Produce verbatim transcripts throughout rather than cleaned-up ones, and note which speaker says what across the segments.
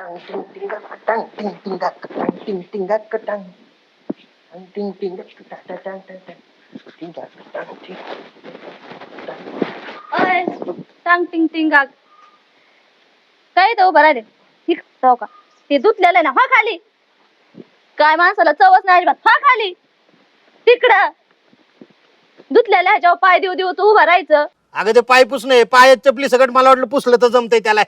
Speaker 1: Tang ting ting gak tang ting ting gak tang ting ting gak tang tang ting ting gak tang tang tang tang tang ting gak tang ting tang.
Speaker 2: अय टांग टिंग टिंगाक काय तो बरा रे ठीक तो का ते धुतलेलं आहे ना हा खाली काय माणसाला चवच नाही अजिबात हा खाली तिकडं धुतलेल्या ह्याच्यावर पाय देऊ देऊ तू उभं राहायचं.
Speaker 3: अगं ते पाय पुसणे पायात चपली सगळं मला वाटलं पुसलं तर जमतंय त्याला.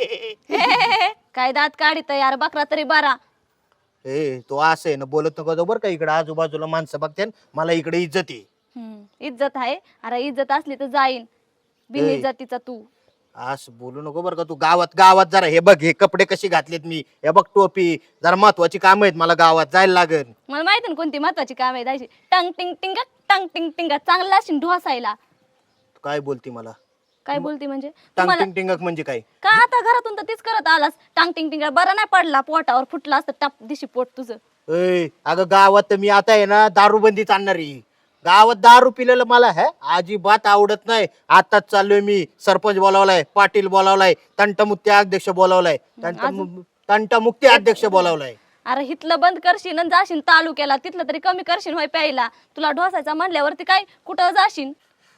Speaker 2: काय दात काढित यार बकरा तरी बरा.
Speaker 3: ए तो असं आहे ना बोलत नको जाऊ बरं का इकडे आजूबाजूला माणसं बघते मला इकडे इज्जत आहे.
Speaker 2: हम्म इज्जत आहे अरे इज्जत असली तर जाईन बिन
Speaker 3: ए.
Speaker 2: इज्जतीचा तू.
Speaker 3: असं बोलू नको बरं का तू गावात गावात जरा हे बघ हे कपडे कसे घातलेत मी हे बघ टोपी जरा महत्वाची काम आहेत मला गावात जायला लागेल.
Speaker 2: मला माहिती ना कोणती महत्वाची काम आहे जायची. टंग टिंग टिंग टंग टिंग टिंग चांगला असेल ढोसायला.
Speaker 3: काय बोलती मला
Speaker 2: काय बोलती म्हणजे
Speaker 3: टांग
Speaker 2: तुम्हाला
Speaker 3: टिंग टिंगक म्हणजे काय
Speaker 2: का आता घरातून तर तीच करत आलास टांग टिंग टिंग बरा नाही पडला पोटावर फुटला असतं टाप दिशी पोट तुझं.
Speaker 3: ए अगं गावात तर मी आता आहे ना दारूबंदीच आणणार आहे. गावात दारू पिलेलं मला है अजिबात आवडत नाही. आताच चाललोय मी सरपंच बोलावलाय पाटील बोलावलाय तंटमुक्ती अध्यक्ष बोलावलाय तंट तंटमुक्ती अध्यक्ष बोलावलाय.
Speaker 2: अरे हिथलं बंद करशील आणि जाशील तालुक्याला तिथलं तरी कमी करशील होय प्यायला. तुला ढोसायचा म्हणल्यावरती काय कुठं जाशील.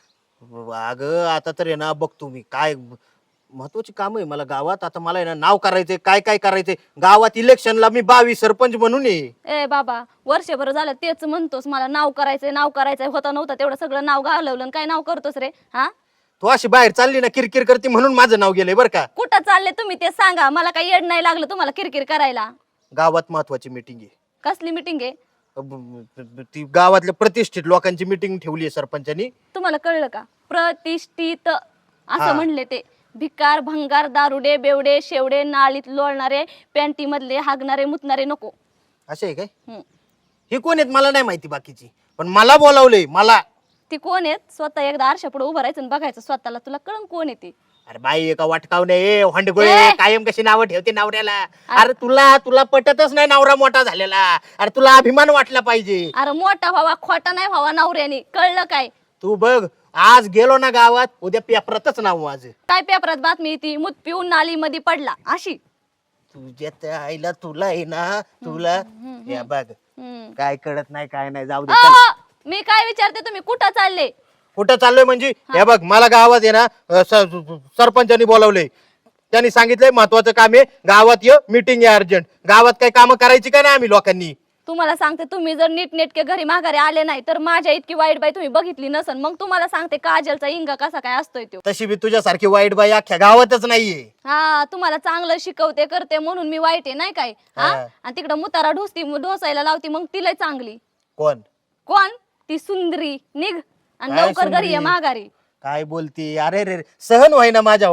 Speaker 3: अगं आता तर आहे ना बघतो मी काय महत्वाची काम आहे मला गावात. आता मला आहे ना नाव करायचंय काय काय करायचंय गावात इलेक्शनला मी बावीस सरपंच म्हणून ये.
Speaker 2: ए बाबा वर्षभर झालं तेच म्हणतोस मला नाव करायचंय नाव करायचंय होता नव्हता तेवढं सगळं नाव घालवलं काय नाव करतोस रे हा.
Speaker 3: तू अशी बाहेर चालली ना किरकिर करते म्हणून माझं नाव गेलंय बरं का.
Speaker 2: कुठं चालले तुम्ही ते सांगा मला काही येड नाही लागलं तुम्हाला किरकिर करायला.
Speaker 3: गावात महत्वाची मीटिंग आहे.
Speaker 2: कसली मिटिंग आहे.
Speaker 3: ब- ती गावातल्या प्रतिष्ठित लोकांची मीटिंग ठेवली आहे सरपंचानी.
Speaker 2: तुम्हाला कळलं का प्रतिष्ठित असं
Speaker 3: हा.
Speaker 2: म्हणले ते. भिकार भंगार दारुडे बेवडे शेवडे नाळीत लोळणारे पॅन्टी मधले हागणारे मुतणारे नको.
Speaker 3: असे आहे काय
Speaker 2: हम्म.
Speaker 3: हे कोण आहेत मला नाही माहिती बाकीची पण मला बोलावलंय मला.
Speaker 2: ती कोण आहेत स्वतः एकदा आरशा पुढे उभं राहायचं आणि बघायचं स्वतःला तुला कळण कोण येते.
Speaker 3: अरे बाई एका वाटकावणे ए हंडगोळे
Speaker 2: ए!
Speaker 3: कायम कशी नावं ठेवते नवऱ्याला. अरे तुला तुला पटतच नाही नवरा मोठा झालेला. अरे तुला अभिमान वाटला पाहिजे.
Speaker 2: अरे मोठा व्हावा खोटा नाही व्हावा नवऱ्याने कळलं काय.
Speaker 3: तू बघ आज गेलो ना गावात उद्या पेपरातच नाव माझं.
Speaker 2: काय पेपरात बातमी येते मूत पिऊन नाली मध्ये पडला अशी.
Speaker 3: तुझ्या त्या आईला तुला आहे ना तुला या बघ
Speaker 2: हम्म.
Speaker 3: काय कळत नाही काय नाही जाऊ दे
Speaker 2: अहो,
Speaker 3: चल.
Speaker 2: मी काय विचारते तुम्ही कुठं चालले.
Speaker 3: कुठं चाललोय म्हणजे हे बघ मला गावात आहे ना अ, स- सरपंचानी बोलावलंय. त्यांनी सांगितलंय महत्वाचं काम आहे गावात ये मीटिंग आहे अर्जंट. गावात काही कामं करायची का नाही आम्ही लोकांनी.
Speaker 2: तुम्हाला सांगते तुम्ही जर नीट नेटके घरी माघारी आले नाही तर माझ्या इतकी वाईट बाई तुम्ही बघितली नसन. मग तुम्हाला सांगते काजलचा इंगा कसा काय असतोय तो.
Speaker 3: तशी बी तुझ्यासारखी वाईट बाई अख्ख्या गावातच नाहीये.
Speaker 2: हा तुम्हाला चांगलं शिकवते करते म्हणून मी वाईट आहे नाही काय हा.
Speaker 3: हा.
Speaker 2: आणि तिकडं मुतारा ढोसती ढोसायला लावती मग तिला चांगली.
Speaker 3: कोण
Speaker 2: कोण ती सुंदरी निघ आणि
Speaker 3: काय
Speaker 2: लवकर घरी ये
Speaker 3: सुंदरी?
Speaker 2: माघारी.
Speaker 3: काय बोलती अरे रे सहन व्हायना माझ्या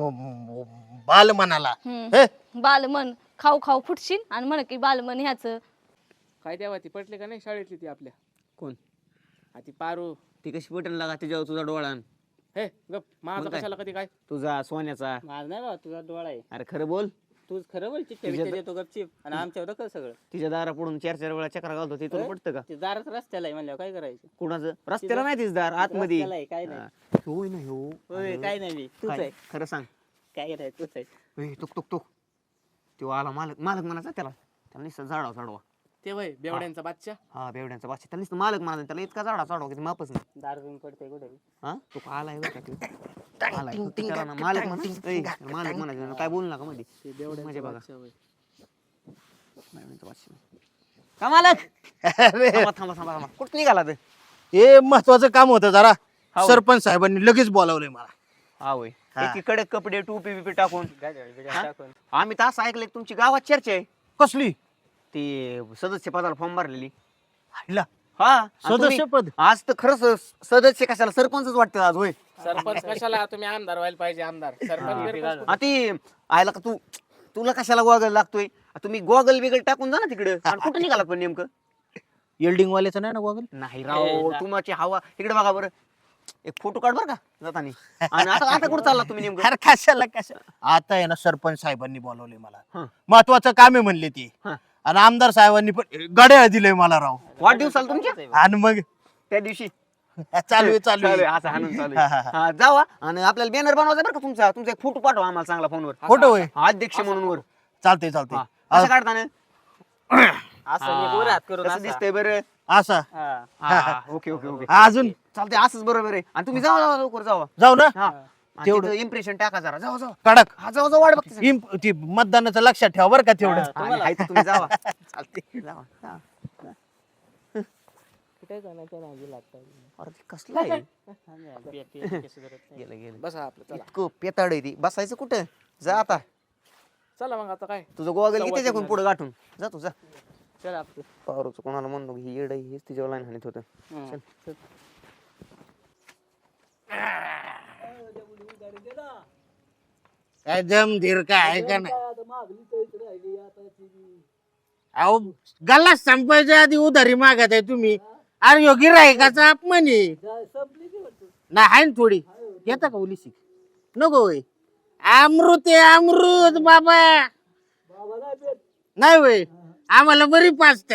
Speaker 3: बाल मनाला.
Speaker 2: हम्म. बालमन खाऊ खाऊ फुटशील आणि म्हण की बालमन ह्याच.
Speaker 4: काय तेव्हा ती पटले का नाही शाळेतली ती आपल्या
Speaker 5: कोण
Speaker 4: आ ती पारू.
Speaker 5: ती कशी पटन लागा तिच्यावर तुझा डोळा
Speaker 4: हे गप माझा
Speaker 5: मग काय?
Speaker 4: कशाला कधी काय
Speaker 5: तुझा सोन्याचा.
Speaker 4: माझ नाही बाबा तुझा डोळा आहे.
Speaker 5: अरे खरं बोल.
Speaker 4: तूच खरं बोल चिठ्ठ्या
Speaker 5: तुझ्या-
Speaker 4: बिठ्ठ्या देतो गपचीप आणि आमच्यावर कर सगळं.
Speaker 5: तिच्या दारा पडून चार चार वेळा चक्रा घालतो ते तुला
Speaker 4: होय?
Speaker 5: पटतं का.
Speaker 4: ते दारात रस्त्याला आहे म्हणल्यावर काय करायचं.
Speaker 5: कुणाचं रस्त्याला नाही तिचं दार आतमध्ये.
Speaker 4: रस्त्याला आहे, काय नाही.
Speaker 5: हा. होय ना हो
Speaker 4: होय काय नाही मी तूच
Speaker 5: काय?
Speaker 4: आहे.
Speaker 5: खरं सांग.
Speaker 4: काय नाही तूच आहे.
Speaker 5: ए, तुक तुक तुक तो आला मालक मालक म्हणायचा त्याला त्याला नुसतं झाडा चढवा.
Speaker 4: ते वय बेवड्यांचा बादशा
Speaker 5: हा बेवड्यांचा बादशा त्याला नुसतं मालक म्हणायचं त्याला इतका झाडा चढवा की मापच नाही.
Speaker 4: दार घेऊन पडते कुठे.
Speaker 5: हा तू आलाय बरं का तू? आलाय. फक्त त्याला ना मालक म्हणा ए, मालक म्हणायचं काय बोलू नका मध्ये
Speaker 4: ते बेवड्यांचा
Speaker 5: म्हणजे बघा
Speaker 4: बादशा होय.
Speaker 5: बेवड्यांचा बादशा. का मालक
Speaker 3: अरे
Speaker 5: थांबा थांबा थांबा थांबा कुठं निघाला ते.
Speaker 3: हे महत्वाचं काम होतं जरा
Speaker 5: हो.
Speaker 3: सरपंच साहेबांनी लगेच बोलावलंय मला.
Speaker 5: हा होय
Speaker 3: हा.
Speaker 5: एकीकडे कपडे टोपी बिपी टाकून.
Speaker 4: गाड्या बिड्या
Speaker 5: हा?
Speaker 4: टाकून.
Speaker 5: आम्ही तर असं ऐकलंय तुमची गावात चर्चा आहे
Speaker 3: कसली
Speaker 5: ती सदस्य पदाला फॉर्म भरलेली.
Speaker 3: हायला,
Speaker 5: हा आणि तुम्ही-
Speaker 3: सदस्यपद
Speaker 5: आज तर खरंच स- सदस्य कशाला सरपंचच वाटतं आज होय.
Speaker 4: सरपंच कशाला तुम्ही आमदार व्हायला पाहिजे आमदार सरपंच बिरपंच
Speaker 5: हा ती आयला का तू तुला कशाला गोगल लागतोय तुम्ही गोगल बिगल टाकून जा ना तिकडे कुठे निघाला पण नेमकं.
Speaker 3: येल्डिंग वाल्याचं नाही ना गोगल.
Speaker 5: नाही
Speaker 4: ए,
Speaker 5: राव
Speaker 4: जा.
Speaker 5: तुमची हवा इकडे बघा बरं एक फोटो काढ बरं का जातानी. आणि आता आता कुठं चालला तुम्ही नेमकं.
Speaker 3: अरे कशाला कशाला आता आहे ना सरपंच साहेबांनी बोलावले
Speaker 5: हा.
Speaker 3: मला महत्वाचं काम आहे म्हणले ते.
Speaker 5: हा.
Speaker 3: आणि आमदार साहेबांनी पण गड्या दिलंय मला राव.
Speaker 5: वाढदिवसाला तुमच्या
Speaker 3: आणि मग
Speaker 5: त्या दिवशी
Speaker 3: चालू आहे चालू
Speaker 5: चालू आहे,
Speaker 3: आहे.
Speaker 5: असं हाणून चालू
Speaker 3: हा,
Speaker 5: आहे.
Speaker 3: हा, हा.
Speaker 5: हा, जावा आणि आपल्याला बॅनर बनवायचा बरं का तुमचा तुमचा एक फोटो पाठवा आम्हाला चांगला फोनवर.
Speaker 3: फोटो होय
Speaker 5: अध्यक्ष म्हणून वर
Speaker 3: चालतंय चालतंय
Speaker 5: असं काढताना
Speaker 4: असं एक वर हात करून
Speaker 5: कसं
Speaker 4: असा.
Speaker 5: दिसतंय बरं
Speaker 3: असा
Speaker 4: हा.
Speaker 5: हा, हा, ओके ओके ओके
Speaker 3: अजून
Speaker 5: चालतंय असंच बरोबर आहे आणि तुम्ही जावा जावा लवकर जावा
Speaker 3: जाऊ ना
Speaker 5: हा
Speaker 3: तेवढं.
Speaker 5: तेवढं इम्प्रेशन टाका जरा जावा जावा
Speaker 3: कडक
Speaker 5: हा जावा जावा वाट बघते सगळी.
Speaker 3: इम- ती मतदानाचं लक्षात ठेवा बरं का तेवढं
Speaker 4: हा.
Speaker 5: आणि हाय तर तुम्ही जावा चालते जावा जावा.
Speaker 4: कुठे जाण्याच्या नादी लागतात.
Speaker 5: अरे ते कसलं आहे गेलं गेलं
Speaker 4: बसा आपलं चला.
Speaker 5: इतकं पेताड आहे ती बसायचं कुठं जा आता
Speaker 4: चला मग आता काय
Speaker 5: तुझं गोगल
Speaker 4: सव्वा
Speaker 5: त्याच्याकडून
Speaker 4: तीन
Speaker 5: पुढे गाठून जा तू जा
Speaker 4: चला आपलं.
Speaker 5: पारूचं कोणाला म्हणलो ही येड आहे, हेच तिच्यावर लाईन हाणत होतं
Speaker 4: हं. चल.
Speaker 3: काय दम धीर काय आहे का नाही अहो गल्ला संपायच्या आधी उधारी मागत आहे तुम्ही अरे यो गिरायकाचा अपमान आहे नाही आहे ना थोडी येता का उलिशी नको होय अमृत आहे अमृत बाबा नाही होय आम्हाला बरी पाचत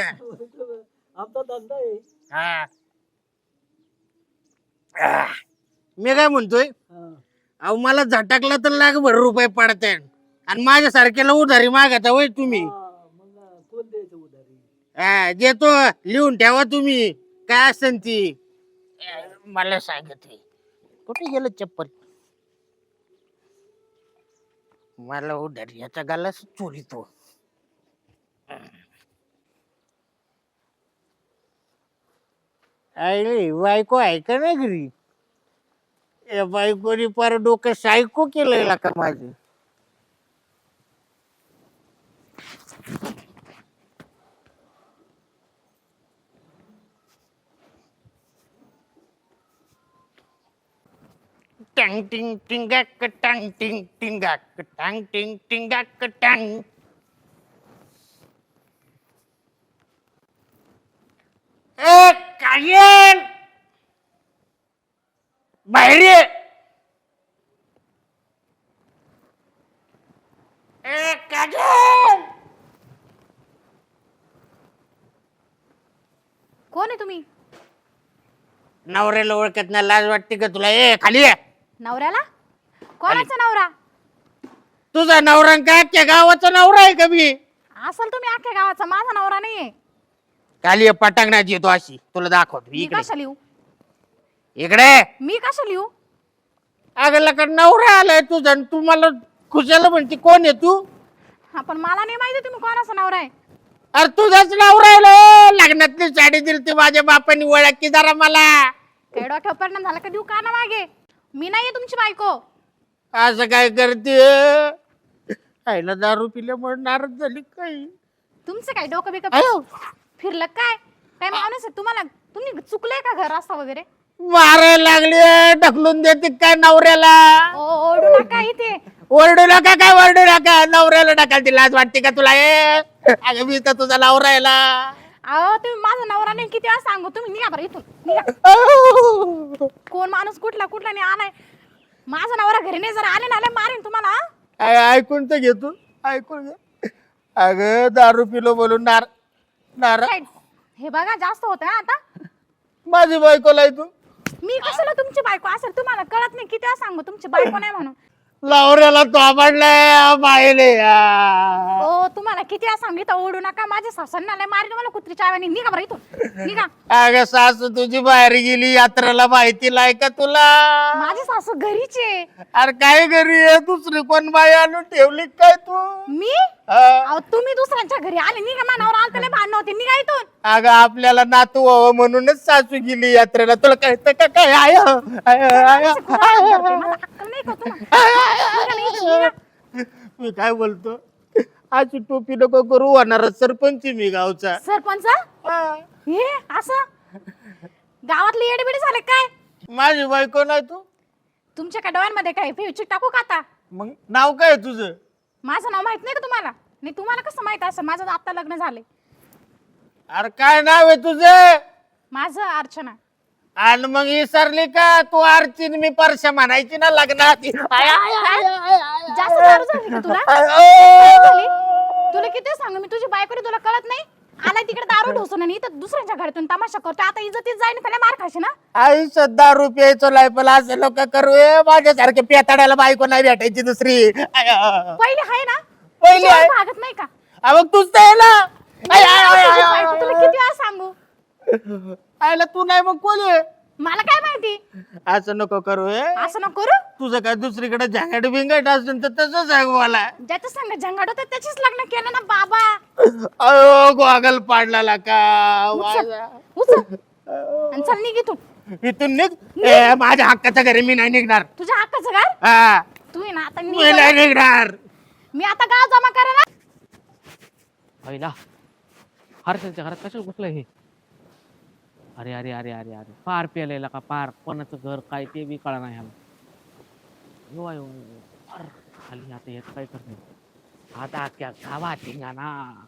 Speaker 3: मी काय म्हणतोय अहो मला झटकला तर लाख भर रुपये पडते आणि माझ्या सारख्याला उधारी मागता होय तुम्ही हा देतो लिहून ठेवा तुम्ही काय असेल ती मला सांगत कुठे गेलं चप्पल मला उधारी याचा गाला चोरीतो अरे बायको आहे का नाही घरी या बायकोनी पार डोकं सायको केलंय का माझे टँग टिंग टिंगाक टांग टिंग टिंगाक टांग टिंग टिंगाक टांग ए काजल बाहेर ये ए काजल
Speaker 2: कोण आहे तुम्ही?
Speaker 3: नवऱ्याला ओळखत नाही लाज वाटते का तुला ए खाली ये
Speaker 2: नवऱ्याला? कोणाचा नवरा?
Speaker 3: तुझा नवरा काय अख्ख्या गावाचा नवरा आहे का मी
Speaker 2: असल तुम्ही अख्ख्या गावाचा, माझा नवरा नाहीये.
Speaker 3: खाली ये पटांगणात येतो अशी तुला दाखवतो
Speaker 2: मी
Speaker 3: इकडे
Speaker 2: कशा लिहू?
Speaker 3: इकडे
Speaker 2: मी कशा लिहू?
Speaker 3: अगं लका नवरा आलाय तुझा आणि तू मला खुशाला म्हणते कोण आहे तू
Speaker 2: हा पण मला नाही माहिती तुम्ही कोणाचा नवरा आहे.
Speaker 3: अरे तुझाच नवरा आहे लग्नातली साडी दिली ती माझ्या बापानी ओळख की जरा मला
Speaker 2: काही डोक्यावर परिणाम झाला का देऊ का ना मागे? मी नाहीये तुमची बायको.
Speaker 3: असं काय करते आईला दारू पिल्यामुळे नाराज झाली काही
Speaker 2: तुमचं काय डोकं बिकं
Speaker 3: अयो
Speaker 2: फिरलं काय? काय माणूस आहे तुम्हाला? तुम्ही चुकले का घर रस्ता वगैरे?
Speaker 3: मारायला लागली ढकलून देते काय नवऱ्याला
Speaker 2: ओ ओरडू नका इथे.
Speaker 3: ओरडू नका काय ओरडू नका नवऱ्याला ढकलते लाज वाटते का तुला ए अगं मी तर तुझा नवरा यायला
Speaker 2: अहो तुम्ही माझा नवरा नाही किती वेळा सांगू तुम्ही निघा बरं इथून निघा. कोण माणूस कुठला कुठला नाही आलाय. माझा नवरा घरी नाही जर आले ना आले मारेन तुम्हाला. हा?
Speaker 3: ऐकून तर घेतो ऐकून घे अगं दारू पिलो बोलून नार नार
Speaker 2: काय? हे बघा जास्त होत आता.
Speaker 3: माझी बायकोला तू
Speaker 2: मी कशाला तुमची बायको असेल तुम्हाला कळत नाही किती वेळा सांगू तुमची बायको नाही म्हणून.
Speaker 3: नवऱ्याला तो आवडलाय बायले
Speaker 2: हो तुम्हाला किती वेळा सांगितलं ओढू नका. माझ्या सासऱ्यांना लय मारेन मला कुत्रीच्या आवानी. निघा बरं इथून निघा.
Speaker 3: अगं सासू तुझी बाहेर गेली यात्रेला माहिती लाय का तुला
Speaker 2: माझी सासू घरीचे.
Speaker 3: अरे काय घरी आहे दुसरी कोण बाई आणून ठेवली काय तू
Speaker 2: मी
Speaker 3: हा?
Speaker 2: अहो तुम्ही दुसऱ्यांच्या घरी आले. निघा मानावर आलं त्याला भांडण होते. निघा इथून.
Speaker 3: अगं आपल्याला नातू व्हावं म्हणूनच सासू गेली यात्रेला तुला कळतं का काय आय आय, आय,
Speaker 2: माझं कुठं हात धरते? मला अक्कल नाही का तुम्हाला? निघा ना इथून, निघा.
Speaker 3: मी काय बोलतो अशी टोपी नको करू होणार सरपंच मी गावचा
Speaker 2: सरपंच हे असं गावातले येडेबिडे झाले काय?
Speaker 3: माझी बायको नाही तू
Speaker 2: तुमच्या काय डोळ्यांमध्ये काय फेविचिक टाकू का आता?
Speaker 3: मग नाव काय तुझं
Speaker 2: माझं नाव माहित नाही का तुम्हाला? नाही तुम्हाला कसं माहित असं? माझं आता लग्न झालंय.
Speaker 3: अरे काय नाव आहे तुझं
Speaker 2: माझं अर्चना.
Speaker 3: आणि मग विसरली का तू अर्चिन मी परशा म्हणायची ना लग्नात आय, आय, आय, आय, आय,
Speaker 2: जास्त दारू झाली का तुला?
Speaker 3: आय,
Speaker 2: काय
Speaker 3: आय.
Speaker 2: झाली? तुला किती सांगू मी तुझी बायको रे, तुला कळत नाही? आलाय तिकडे दारू ढोसून आणि इथं दुसऱ्यांच्या घरातून तमाशा करतो. आता इज्जतीत जाईन त्याला मार खाशी ना.
Speaker 3: आयुष्यात दारू प्यायचो लायपल असं लोक करू माझ्यासारखे पेताड्याला बायको नाही भेटायची दुसरी आय, आय.
Speaker 2: पहिले आहे ना
Speaker 3: पहिली आहे
Speaker 6: तुझ्यावर भागत नाही का?
Speaker 3: हा, मग तूच तर आहे ना. आय, आय, आय,
Speaker 6: तुझी
Speaker 3: आय, आय,
Speaker 6: बायको, तुला
Speaker 3: आय.
Speaker 6: किती वेळा सांगू?
Speaker 3: आयला तू नाही मग कोण आहे?
Speaker 6: मला काय माहिती?
Speaker 3: असं नको करू हे.
Speaker 6: असं नको करू.
Speaker 3: तुझं काय दुसरीकडे झंगाट बिंगाट असेल तर तसं सांग मला.
Speaker 6: ज्याच्या संग झंगाट होतं त्याचीच लग्न केलं ना बाबा.
Speaker 3: अयो गोगल पाडला का माझा.
Speaker 6: उचल आणि चल निघ इथून.
Speaker 3: इथून निघ. ए, माझ्या हक्काच्या घरी मी नाही निघणार.
Speaker 6: तुझ्या हक्काचं घर.
Speaker 3: हा
Speaker 6: तू आहे ना आता
Speaker 3: मी
Speaker 6: निघ.
Speaker 3: नाही निघणार.
Speaker 6: मी आता गाव जमा करायला.
Speaker 4: पहिला हर्षलच्या घरात कशाला घुसलं हे? अरे अरे अरे अरे अरे पार पेलेला का पार कोणाचं घर काय ते बी कळा नाही ह्याला. यो यो अरे खाली आता याचं काय करणार आता क्या गावात ना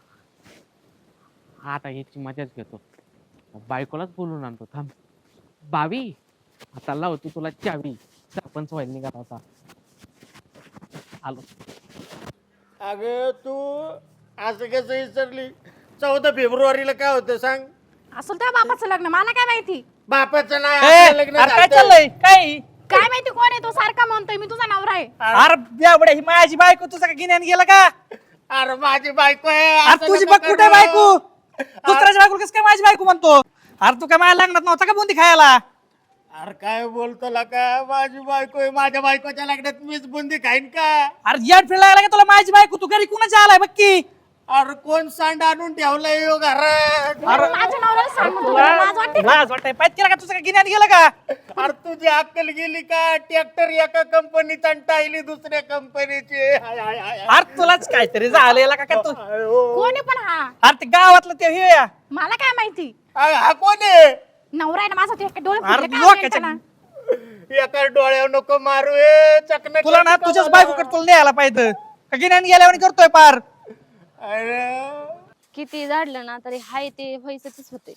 Speaker 4: आता याची मजाच घेतो. बायकोलाच बोलून आणतो थांब. बावी आता लावतो तुला चावी. सरपंच व्हायला निघाला होता. आलो.
Speaker 3: अगं तू असं कसं विसरली? चौदा फेब्रुवारीला काय होतं सांग?
Speaker 6: असलं त्या बापाचं लग्न मला काय माहिती?
Speaker 3: बापाचं नाही
Speaker 7: ए,
Speaker 3: आपलं लग्न
Speaker 7: अरे काय
Speaker 3: झालं.
Speaker 7: चाललंय काय
Speaker 6: काय माहिती कोण आहे तो? सारखा म्हणतोय मी तुझा नवरा आहे.
Speaker 7: अरे बेवड्या, ही माझी बायको तुझं का गिन्यान गेलं का?
Speaker 3: अरे माझी बायको आहे.
Speaker 7: अरे
Speaker 3: असं
Speaker 7: तुझी
Speaker 3: नको
Speaker 7: बघ कुठे
Speaker 3: करू.
Speaker 7: बायको? दुसऱ्याची बायको कसं काय माझी बायको म्हणतो? अरे तू काय माझ्या लग्नात नव्हता का बुंदी खायला?
Speaker 3: अरे काय बोलतो ला का? माझी बायको आहे. माझ्या बायकोच्या लग्नात मीच बुंदी खाईन का?
Speaker 7: अरे याड फिरायला लागला का तुला माझी बायको? तू घरी कुणाच्या आलाय बघ की.
Speaker 3: अरे कोण सांड आणून ठेवलंय यो घरात?
Speaker 6: अरे माझ्या नवऱ्याला सांग म्हणतो. तुला लाज वाटते का?
Speaker 7: लाज वाटतंय पायत केला का तुझं का गिन्यान गेलं का?
Speaker 3: अरे तुझी अक्कल गेली का? ट्रॅक्टर एका कंपनीचा आणि टायली दुसऱ्या कंपनीची. हाय, हाय, हाय, हाय.
Speaker 7: अरे तुलाच काहीतरी झालेला का काय तू?
Speaker 3: अयो.
Speaker 6: कोण आहे पण हा?
Speaker 7: अरे ते गावातलं ते हे या.
Speaker 6: मला काय माहिती?
Speaker 3: अरे हा कोण आहे?
Speaker 6: नवरा आहे ना माझा. ते डोळे
Speaker 7: अरे
Speaker 6: फुटले का
Speaker 7: लोकांच्या-
Speaker 6: मेंढ्याला?
Speaker 3: एका डोळ्यावर नको मारू ए चकना.
Speaker 7: तुला ना तुझ्याच बायकोकडे तुला न्यायला पाहिजे. का गिन्यान गेल्यावर करतोय पार.
Speaker 3: अरे
Speaker 2: किती झाडलं ना तरी हाय ते व्हायचंच होते.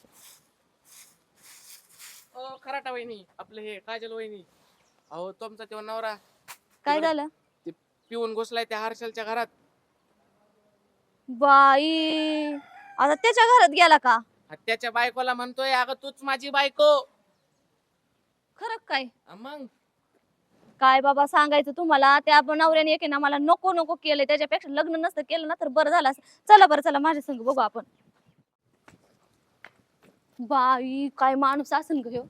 Speaker 4: ओ खराटा वहिनी आपलं हे काजल वहिनी. अहो तुमचा तेव्हा नवरा
Speaker 2: काय झालं?
Speaker 4: ते पिऊन घुसलाय त्या हर्षलच्या घरात.
Speaker 2: बाई आता त्याच्या घरात गेला का?
Speaker 4: हा, त्याच्या बायकोला म्हणतोय अगं तूच माझी बायको.
Speaker 2: खरं काय?
Speaker 4: हा, मग
Speaker 2: काय बाबा सांगायचं तुम्हाला? त्या नवऱ्याने एक आहे ना मला नको नको केलंय. त्याच्यापेक्षा लग्न नसतं केलं ना तर बरं झालं असतं. चला बरं चला माझ्या संग बघू आपण. बाई काय माणूस असन ग ह्यो.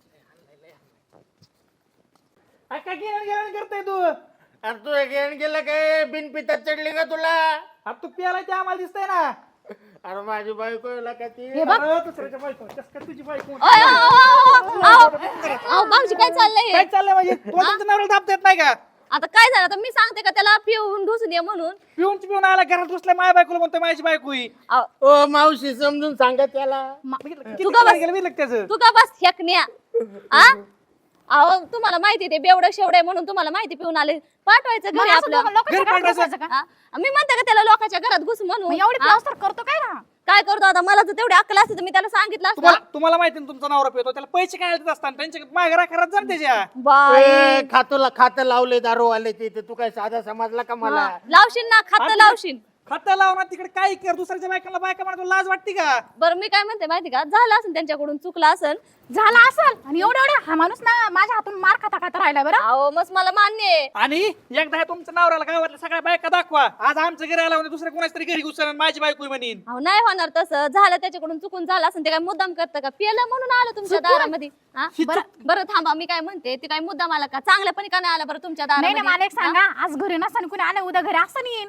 Speaker 7: अरे काय गिन्यान गेल्यावर करतोय तू?
Speaker 3: अरे तू घेऊन गेलं काय? बिन पितात चढली का तुला?
Speaker 7: अरे तू प्यालाय ते आम्हाला दिसतंय ना.
Speaker 3: अरे माझी बायको आहे का ती?
Speaker 6: हे बघ.
Speaker 7: अरे दुसऱ्याच्या बायको कसं काय तुझी बायको?
Speaker 2: अय, अहो, अहो, अहो, अहो, अहो, भाऊजी काय चाललंय
Speaker 7: काय
Speaker 2: हे?
Speaker 7: चाललंय म्हणजे? तुला तुमच्या नवऱ्याला दाब देत नाही का?
Speaker 2: आता काय झालं? आता मी सांगते का त्याला पिऊन ढुसून ये म्हणून?
Speaker 7: पिऊन पिऊन आला घरात घुसलाय माझ्या बायकोला म्हणतोय माझी बायको ही.
Speaker 2: अहो,
Speaker 3: ओ मावशी समजून सांगा त्याला.
Speaker 7: किती
Speaker 2: तू का बस-
Speaker 7: गेलं बघितलं त्याचं.
Speaker 2: तू का बस फेकण्या. आ अहो तुम्हाला माहिती ते बेवडं शेवडे म्हणून तुम्हाला माहिती पिऊन आले. पाठवायचं
Speaker 6: मग
Speaker 2: घरी
Speaker 6: असं
Speaker 2: आपलं.
Speaker 6: लोक- लोकांच्या
Speaker 7: घरी
Speaker 6: घरात
Speaker 7: पाठवायचं.
Speaker 6: बसायचं का?
Speaker 2: हा? मी म्हणते का त्याला लोकांच्या घरात घुस म्हणून.
Speaker 6: मग एवढी
Speaker 2: हा?
Speaker 6: प्लास्टर करतो काय ना?
Speaker 2: काय करतो आता? मला जर तेवढी अक्कल असते तर मी त्याला सांगितलं असतं.
Speaker 7: तुम्हाला तुम्हाला माहिती ना तुमचा नवरा पितो त्याला पैसे काय देत असतात त्यांच्या माघारा खराब जा ना त्याच्या.
Speaker 2: बाई
Speaker 3: ए, खातोला खातं लावले दारूवाले तिथे. तू काय साधा समजला का मला?
Speaker 2: हा, लावशील ना खातं लावशील.
Speaker 7: खाता लावणार तिकडे काय कर दुसऱ्याच्या बायकाला बायका म्हणतो लाज वाटते का?
Speaker 2: बरं मी काय म्हणते माहिती का? झालं असेल त्यांच्याकडून चुकलं असेल.
Speaker 6: झाला असेल. आणि एवढं एवढं हा माणूस ना माझ्या हातून मार खाता खाता राहिला बरं.
Speaker 2: अहो मग मला मान्य आहे.
Speaker 7: आणि एकदा हे तुमच्या नवऱ्याला गावातल्या सगळ्या बायका दाखवा. आज आमच्या घरी आला म्हणजे दुसऱ्या कोणाच तरी घरी घुसणार माझी बायको आहे म्हणीन.
Speaker 2: अहो नाही होणार तसं. झालं त्याच्याकडून चुकून झालं असेल. ते काय मुद्दाम करतं का? पिलं म्हणून आलं तुमच्या दारामध्ये. हा? बरं बरं थांबा मी काय म्हणते ते काय मुद्दाम आला का? चांगल्यापणी का नाही आला बरं तुमच्या
Speaker 6: नाही नाही
Speaker 2: दारामध्ये?
Speaker 6: मला एक सांगा. आज घरी नसताना कुणी आलं उद्या घरी असं येईन.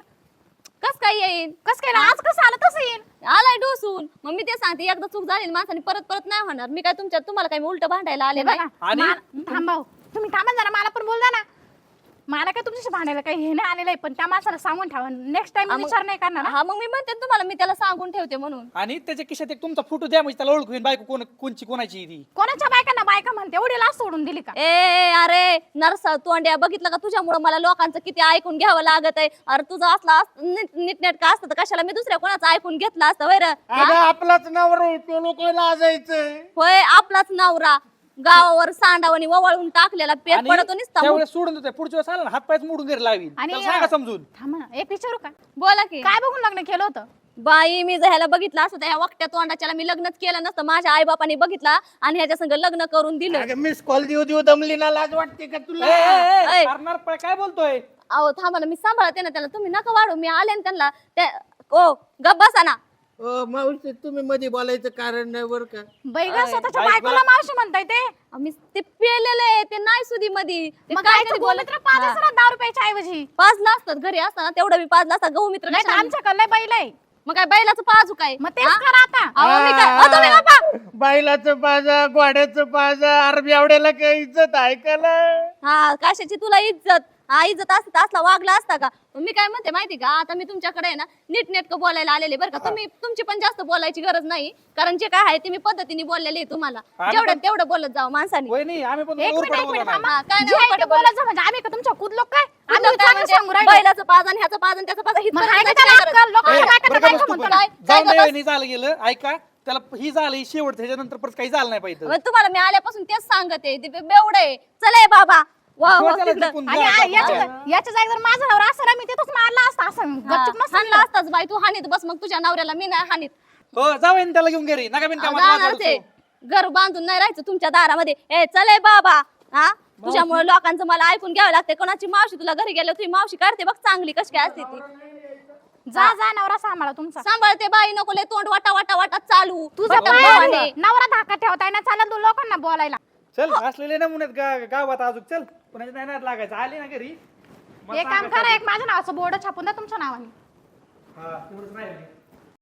Speaker 2: कस काय येईन?
Speaker 6: कस काय ना? आज कसं आलं तसं येईन.
Speaker 2: आलाय डोसून. मग मी ते सांगते एकदा चूक झाली ना माणसाने परत परत नाही होणार. मी काय तुमच्या तुम्हाला काय उलट भांडायला आले
Speaker 6: हे
Speaker 2: नाही.
Speaker 6: बघा
Speaker 7: आणि-
Speaker 6: मा- थांबा हो. तुम्ही थांबा जरा. मला पण बोल द्या ना. मला काय तुमच्याशी भांडायला काही हे नाही आलेलं आहे. पण त्या माणसाला सांगून ठेवा. नेक्स्ट टाइम
Speaker 2: हा, मग-
Speaker 6: विचार नाही करणार.
Speaker 2: हा मग मी म्हणते ना तुम्हाला मी त्याला सांगून ठेवते म्हणून.
Speaker 7: आणि त्याच्या खिशात एक तुमचा फोटो द्या म्हणजे त्याला ओळखू येईल बायको कोण कोणची कोणाची आहे ती.
Speaker 6: कोणाच्या बायकांना बायका म्हणते एवढी लाच सोडून दिली का?
Speaker 2: ए अरे नरसा तोंड्या बघितलं का? तुझ्यामुळे मला लोकांचं किती ऐकून घ्यावं लागत आहे. अरे तुझं असला नीटनेटका असतं तर कशाला मी दुसऱ्या कोणाचं ऐकून घेतलं असतं वैर?
Speaker 3: अगं आपलाच नवरा आहे, तो लोक लाजायचं.
Speaker 2: होय आपलाच नवरा गावावर सांडावणी ववाळून टाकलेला पेट
Speaker 7: आणि
Speaker 2: पडतो नुसता.
Speaker 7: त्यावेळेस सोडून देतोय पुढच्या वेळेस आला ना हात पायच मोडून घरी लावीन.
Speaker 6: आणि-
Speaker 7: त्याला सांगा समजून.
Speaker 6: थांबा ना. एक विचारू का?
Speaker 2: बोला की.
Speaker 6: काय बघून लग्न केलं होतं?
Speaker 2: बाई मी जर ह्याला बघितलं असतं तर ह्या वकट्या तोंडाच्याला मी लग्नच केलं नसतं. माझ्या आई बापाने बघितला आणि ह्याच्या संग लग्न करून दिलं.
Speaker 3: मिस कॉल देऊ देऊ दमली ना, लाज वाटते का
Speaker 7: ए,
Speaker 3: तुला?
Speaker 7: ए, ए,
Speaker 2: ऐ.
Speaker 7: मारणार पळ, काय बोलतोय
Speaker 2: अहो थांबा ना, मी सांभाळते ना त्याला. तुम्ही नका वाढू. मी आले ना त्यांना त्या ओ गप बसा ना.
Speaker 3: अ, मावशी तुम्ही मध्ये बोलायचं कारण नाही बरं का.
Speaker 6: बाई ग स्वतःच्या
Speaker 7: बायकोला-
Speaker 6: बायकोला मावशी म्हणताय ते
Speaker 2: आम्ही ते पेलेले आहे, ते नाही सुधी मध्ये ते
Speaker 6: मग
Speaker 2: काय
Speaker 6: काय
Speaker 2: कधी
Speaker 6: बोलत
Speaker 2: बोलत
Speaker 6: ना पाच असं दहा रुपयाच्या ऐवजी
Speaker 2: पाजला असतात घरी असताना तेवढं मी पाजला असता. गहू मित्र
Speaker 6: नाही तर
Speaker 2: कशाला-
Speaker 6: आमच्याकडे लय बैल आहे
Speaker 2: मग काय बैलाचं पाजू काय?
Speaker 6: मग तेच
Speaker 2: हा?
Speaker 6: करा आता
Speaker 2: अहो, मी काय अहो, तुम्ही गप्पा.
Speaker 3: बैलाचं पाजा, घोड्याचं पाजा, अरबी आवड्याला काय इज्जत ऐकायला.
Speaker 2: हा कशाची तुला इज्जत? हा इज्जत असते तर असला वागला असता का? मी काय म्हणते माहिती का, आता मी तुमच्याकडे आहे ना नीटनेटकं बोलायला आलेले बरं का. तुम्ही तुमची पण जास्त बोलायची गरज नाही, कारण जे काय आहे ते मी पद्धतीने बोललेले आहे तुम्हाला.
Speaker 7: आम्ही
Speaker 2: जेवढं
Speaker 7: पण-
Speaker 2: तेवढं बोलत जावं माणसाने.
Speaker 7: होय नाही आम्ही पण
Speaker 6: एक
Speaker 7: उरफाट
Speaker 6: मिनिट एक
Speaker 7: बोलणार
Speaker 6: मिनिट
Speaker 7: नाही.
Speaker 6: थांबा.
Speaker 2: हा, काय
Speaker 6: जे
Speaker 2: नाही
Speaker 6: आहे ते
Speaker 2: खोटं
Speaker 6: बोलायचं म्हणजे आम्ही का तुमच्या कुदलो काय आम्ही
Speaker 2: तुला काय
Speaker 6: चांगलं
Speaker 2: म्हणजे
Speaker 6: सांगू राहिलो.
Speaker 2: बैलाचं पाजन ह्याचं पाजन त्याचं पाजन
Speaker 6: मग
Speaker 2: हिथपर्यंत
Speaker 6: हाय का
Speaker 2: जायची
Speaker 6: त्याला
Speaker 2: काय गरज?
Speaker 6: अक्कल? लोकांच्या
Speaker 2: हा,
Speaker 6: बायकांना
Speaker 7: बरं का
Speaker 6: बायका
Speaker 7: बसतो
Speaker 6: म्हणतो
Speaker 7: पण.
Speaker 6: ना.
Speaker 7: जाऊन
Speaker 2: काय
Speaker 7: दे
Speaker 2: गं
Speaker 7: वहिनी, झालं गेलं ऐका. त्याला ही झालं ही शेवट, त्याच्यानंतर परत काही झालं नाही पाहिजे.
Speaker 2: मग तुम्हाला मी आल्यापासून तेच सांगते. ते बेवड आहे. चले बाबा वा वा
Speaker 7: किंवा त्याला
Speaker 2: तिकडं.
Speaker 7: टिपून
Speaker 6: आणि
Speaker 7: जा,
Speaker 6: आ-
Speaker 7: जा,
Speaker 6: याच्या
Speaker 7: जा.
Speaker 6: याच्या जागी जर माझा नवरा असता ना मी तिथंच मारला असता असं
Speaker 2: हा,
Speaker 6: गपचूप नसतं
Speaker 2: हाणला
Speaker 6: केलं.
Speaker 2: असताच बाई. तू हानीत बस मग तुझ्या नवऱ्याला. मी नाही हानीत.
Speaker 7: हो जाऊ वहिनी, त्याला घेऊन घरी नका बिन कामात वाद
Speaker 2: जाणारच आहे.
Speaker 7: वाढवतो.
Speaker 2: घर बांधून नाही राहायचं तुमच्या दारामध्ये. ए चले बाबा. हा तुझ्यामुळे लोकांचं मला ऐकून घ्यावं लागते. कोणाची मावशी तुला घरी गेल्यावर तुझी मावशी काढते बघ चांगली कशी काय असते ती.
Speaker 6: जा जा नवरा सांभाळा तुमचा
Speaker 2: सांभाळते बाई. नको लय तोंड वाटा वाटा वाटा चालू.
Speaker 6: तुझं
Speaker 2: वाटा
Speaker 6: पाय
Speaker 2: भावाने.
Speaker 6: आहे. नवरा धाका ठेवताय ना चालत तू लोकांना बोलायला
Speaker 7: चल असलेले नमुने आहेत गा- गावात अजून. चल पुण्याच्या नाही नाद लागायचं. आली ना घरी मग
Speaker 6: एक काम
Speaker 7: सांगायचं.
Speaker 6: करा एक माझ्या नावाचं बोर्ड छापून द्या तुमच्या नावाने
Speaker 7: हा तेवढंच राहिलं.